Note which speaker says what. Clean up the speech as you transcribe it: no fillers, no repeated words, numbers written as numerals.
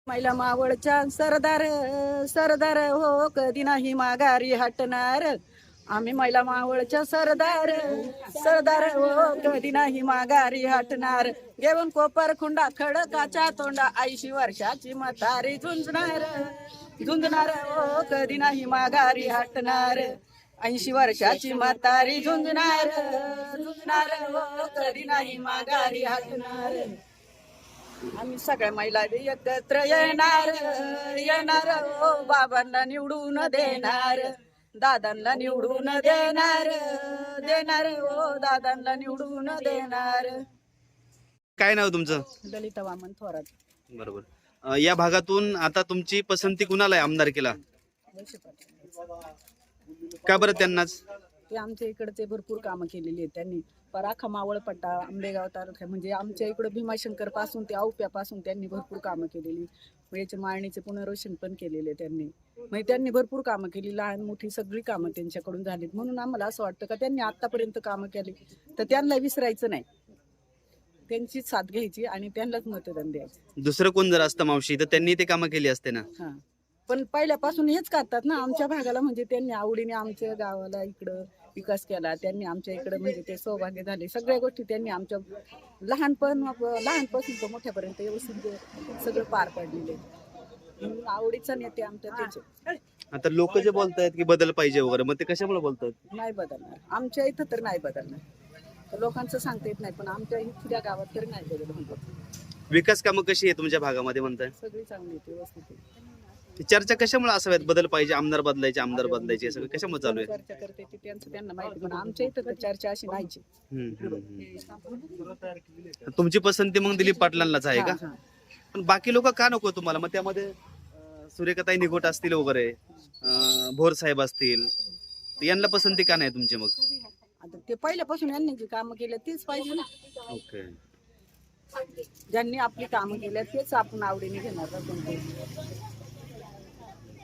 Speaker 1: महिला मावळच्या सरदार सरदार हो कधी नाही माघारी हटणार. आम्ही महिला मावळच्या सरदार सरदार हो कधी नाही माघारी हटणार. घेऊन कोपर खुंडा खडकाच्या तोंडा 80 वर्षाची म्हातारी झुंजणार झुंजणार हो कधी नाही माघारी हटणार. 80 वर्षाची म्हातारी झुंजणार झुंजणार हो कधी नाही माघारी हटणार. आम्ही सगळ्या महिला एकत्र येणार येणार हो बाबांना निवडून देणार. दादांना निवडून देणार देणार हो दादांना निवडून देणार.
Speaker 2: काय नाव तुमचं?
Speaker 1: ललिता वामन थोरात.
Speaker 2: बरोबर. या भागातून आता तुमची पसंती कुणाला आहे आमदारकीला? का बरं त्यांनाच?
Speaker 1: ते आमच्या इकडचे भरपूर कामं केलेली आहेत त्यांनी. पराखा मावळपट्टा आंबेगाव तालुक्या म्हणजे आमच्या इकडं भीमाशंकर पासून ते औप्यापासून त्यांनी भरपूर कामं केलेली. याचे माळणीचे पुनर्वसन पण केलेले त्यांनी. म्हणजे त्यांनी भरपूर कामं केली, लहान मोठी सगळी कामं त्यांच्याकडून झालीत. म्हणून आम्हाला असं वाटतं का त्यांनी आतापर्यंत कामं केली तर त्यांना विसरायचं नाही, त्यांची साथ घ्यायची आणि त्यांनाच मतदान द्यायचं.
Speaker 2: दुसरं कोण जर असतं मावशी तर त्यांनी ते कामं केली असते ना.
Speaker 1: हा, पण पहिल्यापासून हेच करतात ना आमच्या भागाला. म्हणजे त्यांनी आवडीने आमच्या गावाला इकडं विकास केला. त्यांनी आमच्या इकडे म्हणजे ते सौभाग्य झाले. सगळ्या गोष्टी त्यांनी आमच्या लहानपासून तर मोठ्यापर्यंत व्यवस्थित सगळं पार पाडलेले. आवडीचा नेते आमच्या त्याचे.
Speaker 2: आता लोक जे बोलतायत की बदल पाहिजे वगैरे, मग ते कशामुळे बोलतात?
Speaker 1: नाही बदलणार आमच्या इथं तर नाही बदलणार. तर लोकांचं सांगता येत नाही, पण आमच्या इथल्या गावात तरी नाही बदल होणार.
Speaker 2: विकास कामं कशी आहे तुमच्या भागामध्ये म्हणताय?
Speaker 1: सगळी चांगली आहे, व्यवस्थित आहे.
Speaker 2: चर्चा कशामुळे असाव्यात? बदल पाहिजे, आमदार बदलायचे, आमदार बदलायचे, सगळं कशामुळे चालू आहे?
Speaker 1: चर्चा करते ती त्यांना माहिती, पण आमच्या इथं तर चर्चा अशी नाहीची.
Speaker 2: तुमची पसंती मग दिलीप पाटलांनाच आहे का?
Speaker 1: हा.
Speaker 2: पण बाकी लोक का नको तुम्हाला? मग त्यामध्ये सूर्यकाताई निघोट असतील वगैरे, भोर साहेब असतील, यांना पसंती का नाही तुमची मग?
Speaker 1: आता ते पहिल्यापासून यांनी जी कामं केली तेच पाहिजे ना.
Speaker 2: ओके.
Speaker 1: ज्यांनी आपली कामं केली तेच आपण आवडीने घेणार ना कोणते.